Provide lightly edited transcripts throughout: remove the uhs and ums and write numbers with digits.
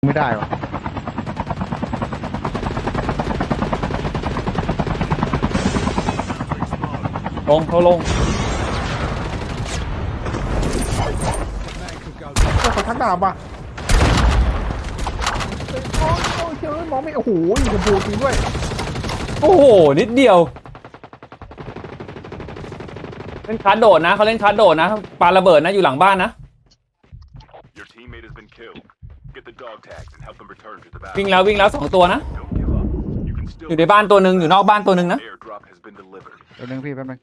ไม่ได้วะลงเขาลงเขาทักดาบว่ะโอ้ยเฮ้ยมองไม่โอ้โหยิงกระพูจริงด้วยโอ้โหนิดเดียวเล่นคาร์ดโดดนะเขาเล่นคาร์ดโดดนะปาระเบิดนะอยู่หลังบ้านนะวิ่งแล้ว2 ตัวนะอยู่ในบ้านตัวหนึ่งอยู่นอกบ้านตัวหนึ่งนะแป๊บนึงพี่แป๊บนึง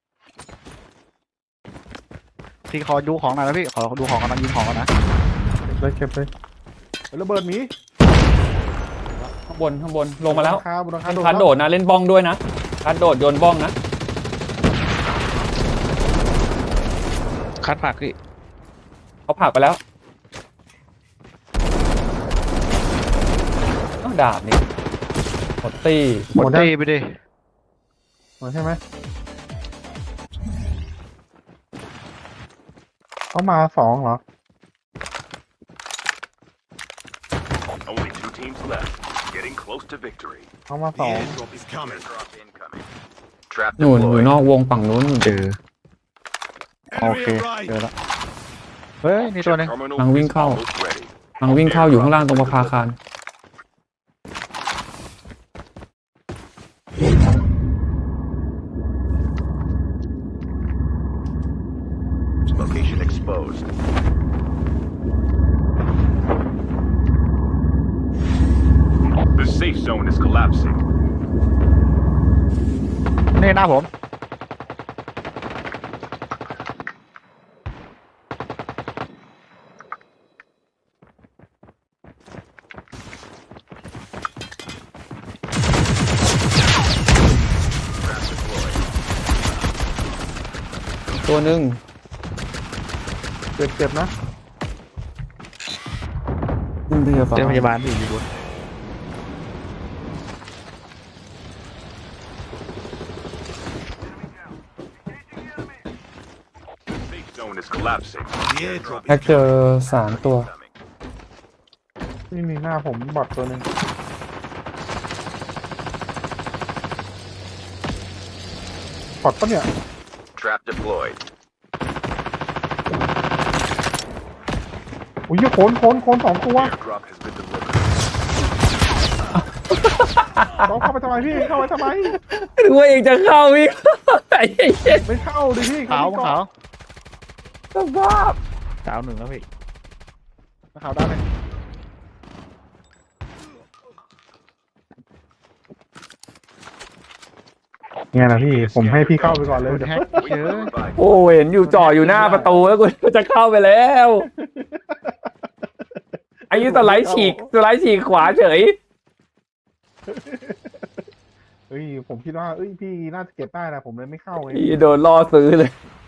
พี่ขอดูของหน่อยนะพี่ขอดูของกันนะยิงของกันนะเก็บเลยระเบิดหมีข้างบนลงมาแล้วบนหลังคาเล่นคาร์ดโดดนะเล่นบ้องด้วยนะคาร์ดโดดโยนบ้องนะคัดผักพี่เขาผลักไปแล้วอ้าวดาบนี่หมดตีหมดตีไปดิหมดใช่ไหมเขามา2เหรอ Only 2 teams left. Getting close to victory. เขามา2 Airdrop is coming. Drop incoming. Trap หนุนอยู่ deployed. นอกวงฝั่งนู้นเจอโอเคเจอแล้วเฮ้ยนี่ตัวหนึง Terminal กำลังวิ่ง is เข้า almost ready. กำลังวิ่งเข้าอยู่ข้างล่างตรงประภาคาร Location exposed. The safe zone is collapsing. นี่หน้าผมตัวหนึ่งเจ็บนะขึ้นพยาบาลเจ้าพยาบาลพี่อยู่บน Safe zone is collapsing. The airdrop แฮกเจอ3 ตัว incoming. นี่มีหน้าผมบอดตัวหนึ่งบอดปะเนี่ย Trap deployed. อุ้ยโคน2 ตัว Airdrop has been delivered. เขาเข้าไปทำไมพี่เข้าไปทำไมหรือว่าเองจะเข้าอีก ไอ้เหี้ยไม่เข้าดิพี่ขาวขาวสภาพขาวหนึ่งแล้วพี่ขาวด้านเลยเนี่ยนะพี่ผมให้พี่เข้าไปก่อนเลยแฮกเจอโอ้เห็นอยู่จ่ออยู่หน้าประตูแล้วกูจะเข้าไปแล้วไอ้ยี่สไลด์ฉีกขวาเฉยเฮ้ยผมคิดว่าพี่น่าจะเก็บได้นะผมเลยไม่เข้าไงพี่โดนล่อซื้อเลย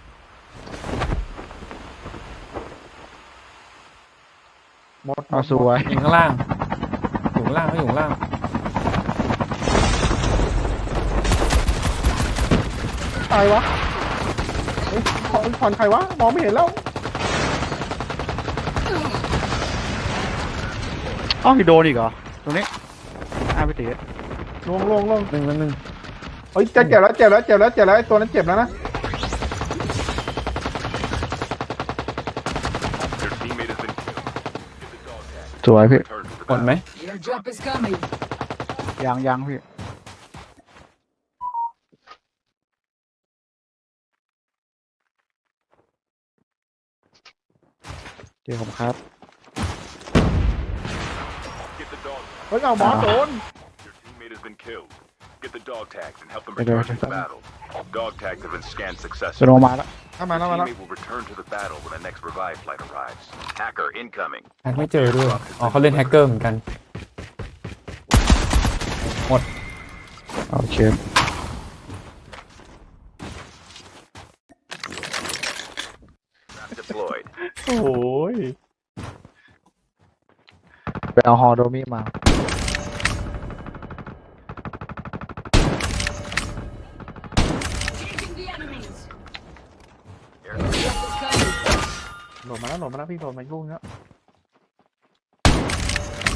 หมดเอาสวยอยู่ข้างล่างอยู่ข้างล่างเขาอยู่ข้างล่างตายวะเฮ้ยผ่อนใครวะมองไม่เห็นแล้วอ้าวพี่โดนอีกเหรอตรงนี้พี่ตีลงหนึ่งเฮ้ยเจ็บแล้วไอ้ตัวนั้นเจ็บแล้วนะ Their teammate has been killed. Get the dog tag. สวยพี่ Return to the หมดไหม Airdrop is coming. ยังพี่เจอผมครับ Get the dog. เฮ้ยเอาหมอโดน Your teammate has been killed. Get the dog tags and help them Okay, return to the okay. battle. Dog tags have been scanned จะ successfully. ลงมาแล้วเข้ามาแล้ว Your มาแล้ว teammate will return to the battle when the next revive flight arrives. Hacker incoming. แฮกไม่เจอด้วยอ๋อเขาเล่นแฮกเกอร์เหมือนกันโอเค Trap deployed. โอ้ยไปเอาฮอโดมิมา Engaging the enemies. Airdrop Airdrop is coming. โหลดมาแล้วพี่โหลดมายุ่งแล้ว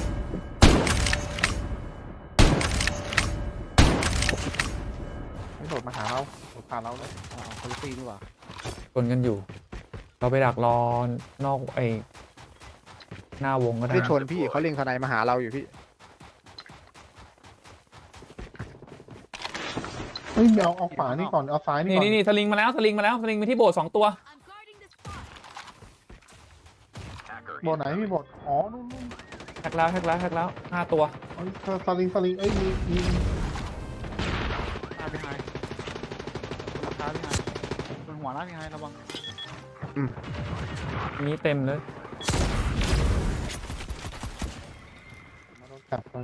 โดดมาหาเราโดดผ่านเราเลยคนละตีดีกว่าชนกันอยู่ เราไปดักรอนอกไอ้หน้าวงก็ได้ไม่ชนะนพี่เขาเล็งทนายมาหาเราอยู่พี่เฮ้ยเอาขวานี่ก่อนเอาซ้ายนี่นี่ก่อนนี่สลิงมาแล้วสลิงไปที่โบสถ์2 ตัว I'm guarding the spot. Hacker บทไหนพี่บทอ๋อนู่นแท็กแล้ว5 ตัวเอ้ยสลิงเอ้ยมีพี่ไฮราคาพี่ไฮบนหัวนะพี่ไฮระวังนี้เต็มเลยมาโดนจับไป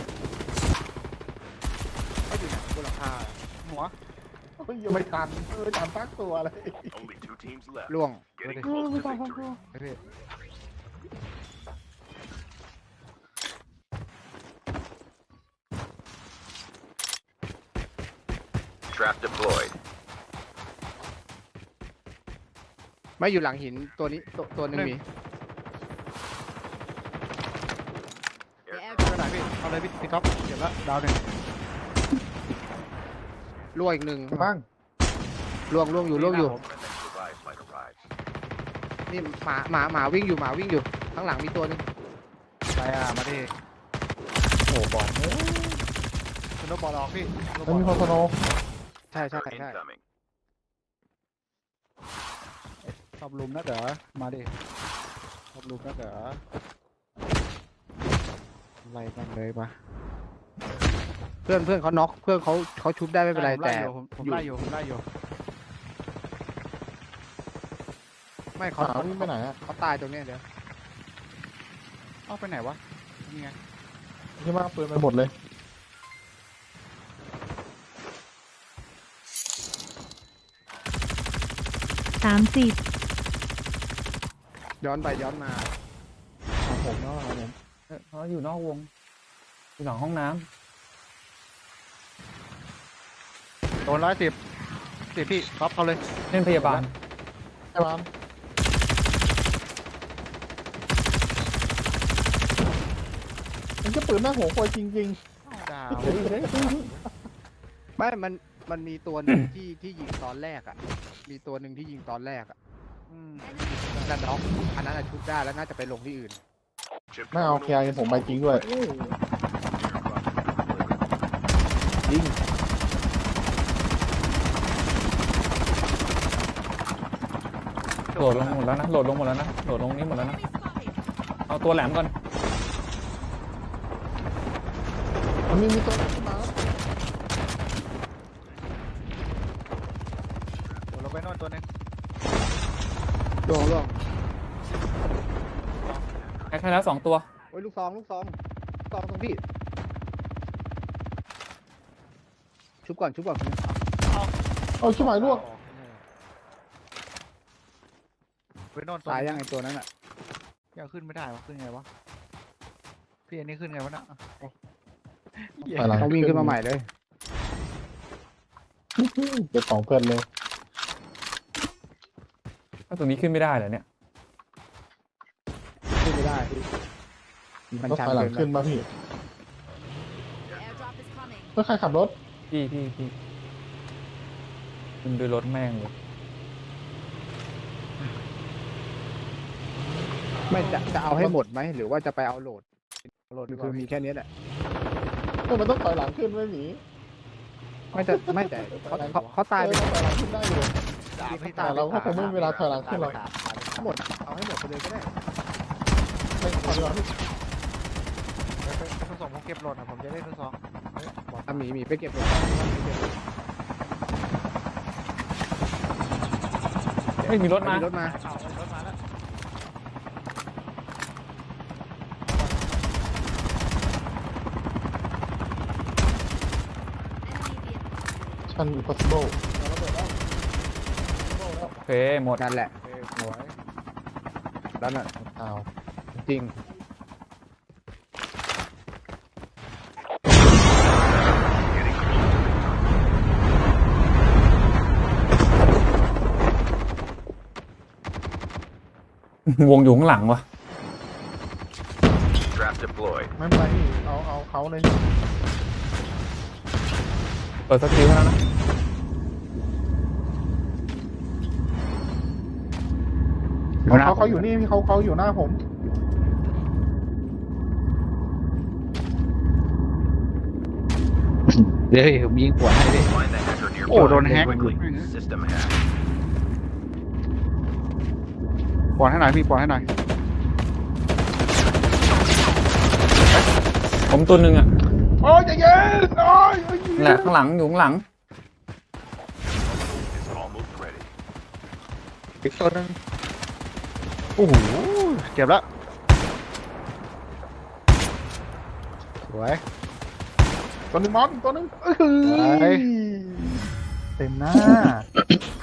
เขาอยู่ไหนบนหลังคาหัวเฮ้ยยังไม่ทันตั้งตัวเลย only 2 teams left. ล่วง Getting เออ close ไม่ to ทันตั้ง victory. ตัวไอ้พี่ Trap deployed. ไม่อยู่หลังหินตัวนี้ตัวหนึ่งมี The air ตัวไหนพี่เอาเลยพี่ก๊อฟเก็บแล้วดาวหนึ่งล่วงอีกหนึ่งบ้างล่วงอยู่ When the next revive flight arrives. นี่หมาวิ่งอยู่ข้างหลังมีตัวหนึงไปมาดิโอ้บอลสโนว์บอลออกพี่แล้วมีคอนโซโนใช่ Hacker incoming. ชอบลุมนะเด๋อมาดิชอบลุมนะเด๋อไล่มันเลยมาเพื่อนเขาน็อกเพื่อนเขาชุบได้ไม่เป็นไรแต่ผมไล่อยู่ไม่ขวาวิ่งไปไหนอะเขาตายตรงเนี้ยเดี๋ยวเอาไปไหนวะนี่ไงที่มาปืนไปหมดเลย 30 ย้อนไปย้อนมาของผมเนาะครับผมเขาอยู่นอกวงอยู่หลังห้องน้โดน110พี่ก๊อฟเอาเลยำเล่นพยาบาลไอ้บ้านมันจะปืนหน้าหัวควายจริงดาวไม่มันมีตัวหนึ่งที่ยิงตอนแรกอ่ะมีตัวหนึ่งที่ยิงตอนแรกอ่ะนั่นน็อกอันนั้นอะชุบได้แล้วน่าจะไปลงที่อื่น Chip ๆไม่เอา terminal เคลียร์ผมไปจริงด้วยยิงโหลดลงหมดแล้วนะโหลดลงนี้หมดแล้วนะ spotted. เอาตัวแหลมก่อนมันมีตัวขึ้นมาโดนลงไปโน่นตัวนึงล่วงแอคให้แล้ว2 ตัวโอ้ยลูกซองตรงพี่ชุบก่อนเอาชิบหายลวกไปโน่นตัวตายยังไงตัวนั้นอ่ะยังขึ้นไม่ได้วะขึ้นไงวะพี่อันนี้ขึ้นไงวะน่ะไปหลังเขาวิ่งขึ้นมาใหม่เลยเก็บของเพื่อนเลยถ้าตรงนี้ขึ้นไม่ได้เหรอเนี่ยขึ้นไม่ได้มันรถชันไฟหลังเกิขึ้นนป่ะพี่ The airdrop is coming. เพื่อใครขับรถพี่ขึ้นด้วยรถแม่งเลยไม่จะเอาให้หมดไหมหรือว่าจะไปเอาโหลดโหลดหดีรือกว่าคือมีแค่นี้แหละมันต้องถอยหลังขึ้นไม่หนีไม่แต่เขาตายไปถอยหลังขึ้นได้อยู่พี่แต่เราก็คงไม่มีเวลาถอยหลังขึ้นหรอกหมดเอาให้หมดไปเลยก็ได้ไม่ถอยหลังทดสอบผมเก็บโหลดนะผมจะได้ทดสอบบอกอ่ะหมีไปเก็บโหลดเฮ้ยมีรถมารถมาเอารถมาแล้วชัน impossible โอเคหมดนั่นแหละโอเคสวยแล้วน่ะอ้าวจริงวงอยู่ข้างหลังวะ Trap deployed. ไม่เป็นไรพี่เอาเขาเลยเปิดสกิลแล้วนะเขาอยู่นี่เขาอยู่หน้าผมเดี๋ยวผมยิงหัวให้ดิ Find the hacker nearby. โอ้โดนแฮก Quickly. System hack. ปอนให้หน่อยพี่ปอนให้หน่อยผมตัวหนึ่งอ่ะโอ้ยใจเย็นโอ้ยนั่นแหละข้างหลังอยู่ข้างหลัง Is almost ready. อีกตัวหนึงโอ้โหเจ็บแล้วสวยตัวหนึ่งมอนตัวหนึ่งไปเต็มหน้า